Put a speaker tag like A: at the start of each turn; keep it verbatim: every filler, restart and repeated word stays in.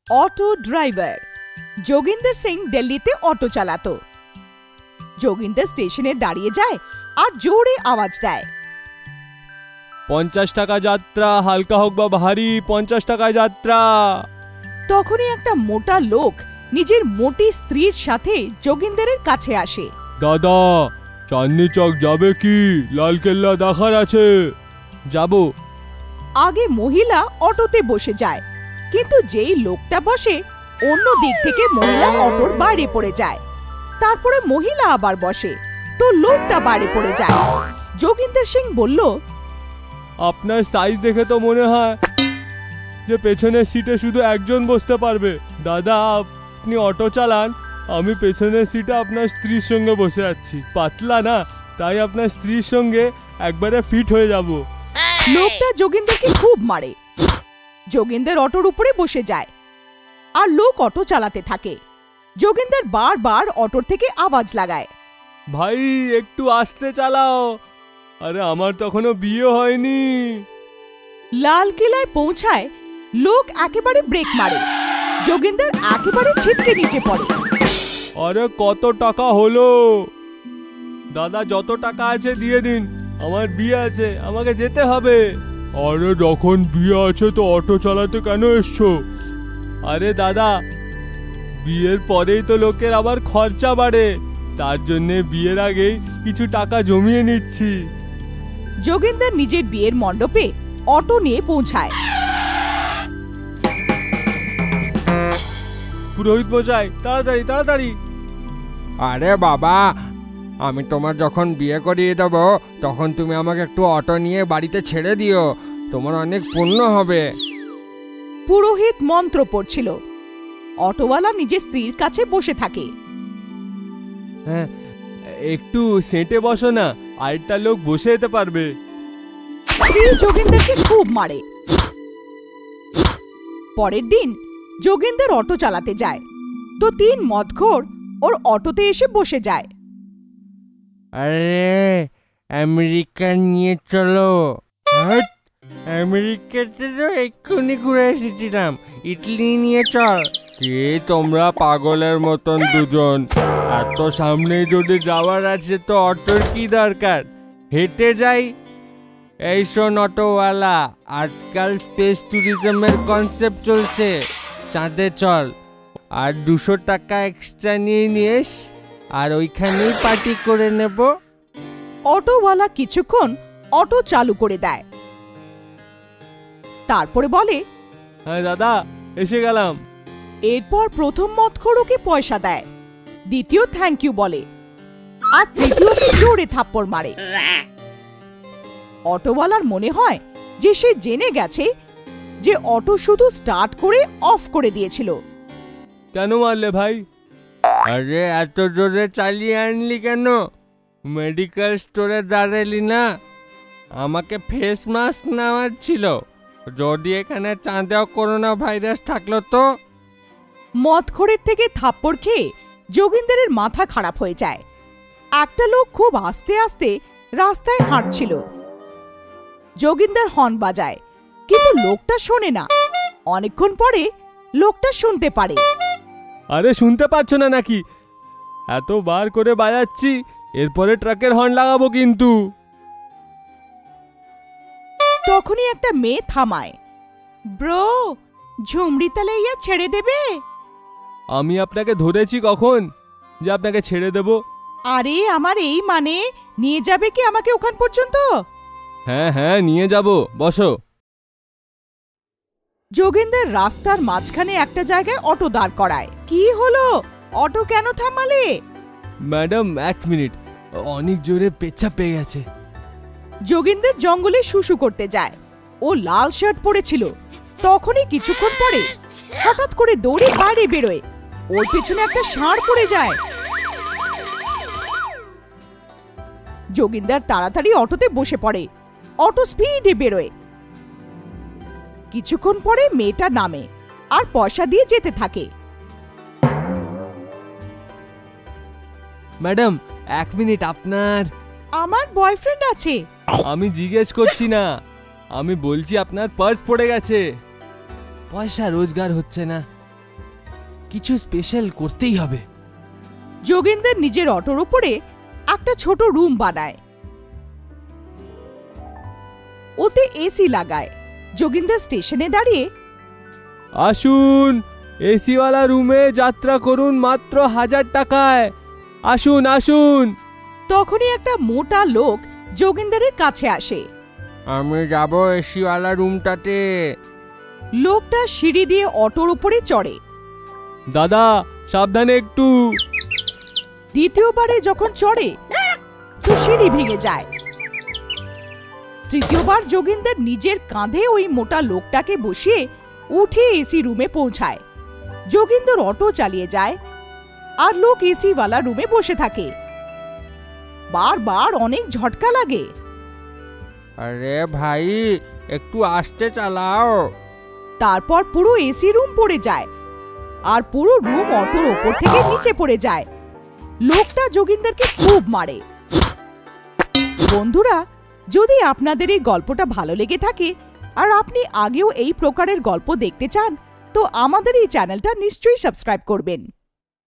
A: Auto driver. Joginder Singh দিল্লিতে auto চালাতো। যোগিন্দর স্টেশনে দাঁড়িয়ে যায় আর জোরে আওয়াজ দেয়,
B: পঞ্চাশ টাকা যাত্রা, হালকা হোক বা ভারী, পঞ্চাশ টাকা যাত্রা।
A: তখনই একটা মোটা লোক নিজের মোটি স্ত্রীর সাথে যোগিন্দরের কাছে আসে।
B: দাদা, চাঁদনি চক যাবে কি? লালকেল্লা দেখার আছে। যাব।
A: আগে মহিলা অটোতে বসে যায়, কিন্তু যেই লোকটা বসে অন্য দিক থেকে মহিলা অটোর বাইরে পড়ে যায়। তারপরে মহিলা আবার বসে, তো লোকটা বাইরে পড়ে যায়। যোগিন্দর সিং বলল,
B: আপনার সাইজ দেখে তো মনে হয় যে পেছনের সিটে শুধু একজন বসতে পারবে। দাদা, আপনি অটো চালান, আমি পেছনের সিটে আপনার স্ত্রীর সঙ্গে বসে আছি। পাতলা না, তাই আপনার স্ত্রীর সঙ্গে একবারে ফিট হয়ে যাব।
A: লোকটা যোগিন্দরকে খুব মারে। যোগিন্দর অটোর উপরে বসে যায় আর লোক অটো চালাতে থাকে। যোগিন্দর বারবার অটোর থেকে আওয়াজ লাগায়,
B: ভাই একটু আস্তে চালাও, আরে আমার তখনও বিয়ে হয়নি।
A: লালকিলায় পৌঁছায়, লোক একেবারে ব্রেক মারে। যোগিন্দর একেবারে ছিটকে নিচে পড়ে।
B: আরে কত টাকা হলো? দাদা, যত টাকা আছে দিয়ে দিন, আমার বিয়ে আছে, আমাকে যেতে হবে। আরে যখন বিয়ে আছে তো অটো চালাতে কেন এসছো? আরে দাদা, বিয়ের পরেই তো লোকের আবার খরচা বাড়ে, তার জন্যে বিয়ের আগেই কিছু টাকা জমিয়ে নিচ্ছি।
A: যোগিন্দর নিজের বিয়ের মণ্ডপে অটো নিয়ে পৌঁছায়।
B: পুরোহিত মশাই, তাড়াতাড়ি তাড়াতাড়ি।
C: আরে বাবা, আমি তোমার যখন বিয়ে করিয়ে দেব তখন তুমি আমাকে একটু অটো নিয়ে বাড়িতে ছেড়ে দিও, তোমার অনেক পুণ্য হবে।
A: পুরোহিত মন্ত্র পড়ছিল। অটোওয়ালা নিজের স্ত্রীর কাছে বসে থাকে।
B: হ্যাঁ, একটু সেঁটে বসো না, আরেকটা লোক বসে যেতে পারবে।
A: স্ত্রী যোগিন্দরকে খুব মারে। পরের দিন যোগিন্দর অটো চালাতে যায়, তো তিন মদখোর ওর অটোতে এসে বসে যায়।
C: আরে আমেরিকা নিয়ে চলো। হ্যাট, আমেরিকাতে তো এক্ষুনি ঘুরে এসেছিলাম, ইটালি নিয়ে চল। কে তোমরা পাগলের মতন দুজন? এত সামনে যদি যাওয়ার আছে তো অটোর কি দরকার, হেঁটে যাই। এই শোন অটোওয়ালা, আজকাল স্পেস ট্যুরিজমের কনসেপ্ট চলছে, চাঁদে চল, আর দুশো টাকা এক্সট্রা নিয়ে নিস, আর ওইখানেই পার্টি করে নেব।
A: অটোওয়ালা কিছুক্ষণ অটো চালু করে দেয়, তারপরে বলে,
B: হ্যাঁ দাদা, এসে গেলাম।
A: এরপর প্রথম মদখোর ওকে পয়সা দেয়, দ্বিতীয় থ্যাংক ইউ বলে, আর তৃতীয়কে জোরে থাপ্পড় মারে। অটোওয়ালার মনে হয় যে সে জেনে গেছে যে অটো শুধু স্টার্ট করে অফ করে দিয়েছিল।
B: কেন মারলে ভাই?
C: আরে এত জোরে চালিয়ে আনলি কেন? মেডিকেল স্টোরে দাঁড়ালি না? আমাকে ফেস মাস্ক নেওয়ার ছিল, যদি এখানে চাঁদেও করোনা ভাইরাস থাকলো তো।
A: মদখোরের থেকে থাপ্পড় খেয়ে যোগিন্দরের মাথা খারাপ হয়ে যায়। একটা লোক খুব আস্তে আস্তে রাস্তায় হাঁটছিল। যোগিন্দর হর্ন বাজায়, কিন্তু লোকটা শোনে না। অনেকক্ষণ পরে লোকটা শুনতে পারে।
B: আরে শুনতে পাচ্ছ না নাকি? এত বার করে বাজাচ্ছি, এরপরে ট্রাকের হর্ন লাগাবো কিন্তু।
A: তখনই একটা মেয়ে থামায়। ব্রো, ঝুমড়ি তালে ইয়া ছেড়ে দেবে?
B: আমি আপনাকে ধরেছি কখন যে আপনাকে ছেড়ে দেব?
A: আরে আমার এই মানে, নিয়ে যাবে কি আমাকে ওখান পর্যন্ত?
B: হ্যাঁ হ্যাঁ, নিয়ে যাব, বসো।
A: যোগেন্দর রাস্তার মাঝখানে একটা জায়গায় অটো দাঁড় করায়। কি হলো, অটো কেন থামালে?
B: ম্যাডাম এক মিনিট, অনেক জোরে পেচ্ছাপ পেয়ে গেছে।
A: যোগেন্দর জঙ্গলে শুশু করতে যায়। ও লাল শার্ট পরেছিল। তখনই কিছুক্ষণ পরে হঠাৎ করে দৌড়ে বাইরে বেরোয়। ওর পেছনে একটা ষাঁড় পড়ে যায়। যোগেন্দর তাড়াতাড়ি অটোতে বসে পড়ে। অটো স্পিডে বেরোয়। কিছুক্ষণ পরে মেয়েটা নামে আর পয়সা দিয়ে যেতে থাকে।
B: ম্যাডাম এক মিনিট, আপনার?
A: আমার বয়ফ্রেন্ড আছে।
B: আমি জিজ্ঞেস করছি না, আমি বলছি আপনার পার্স পড়ে গেছে, পয়সা রোজগার হচ্ছে না, কিছু স্পেশাল করতেই হবে।
A: যোগেন্দ্র নিজের অটোর উপরে একটা ছোট রুম বানায়, ওতে এসি লাগায়। যোগেন্দ্র স্টেশনে দাঁড়িয়ে,
B: আসুন, এসিওয়ালা রুমে যাত্রা করুন মাত্র হাজার টাকায়। আসুন আসুন।
A: তখনই একটা মোটা লোক যোগেন্দ্রের কাছে আসে।
C: আমি যাব এসিওয়ালা রুমটাতে।
A: লোকটা সিঁড়ি দিয়ে অটোর উপরে চড়ে।
B: দাদা সাবধানে একটু।
A: দ্বিতীয়বারে যখন চড়ে তো সিঁড়ি ভেঙে যায়। তৃতীয়বার যোগেন্দ্র নিজের কাঁধে ওই মোটা লোকটাকে বসিয়ে উঠে এসি রুমে পৌঁছায়। যোগেন্দ্র অটো চালিয়ে যায় আর লোক এসিওয়ালা রুমে বসে থাকে। বারবার অনেক ঝটকা লাগে।
C: আরে ভাই, একটু আস্তে চালাও।
A: তারপর পুরো এসি রুম পড়ে যায় আর পুরো রুম অটোর ওপর থেকে নিচে পড়ে যায়। লোকটা যোগেন্দ্রকে খুব মারে। বন্ধুরা, যদি আপনাদের এই গল্পটা ভালো লেগে থাকে আর আপনি আগেও এই প্রকারের গল্প দেখতে চান, তো আমাদের এই চ্যানেলটা নিশ্চয়ই সাবস্ক্রাইব করবেন।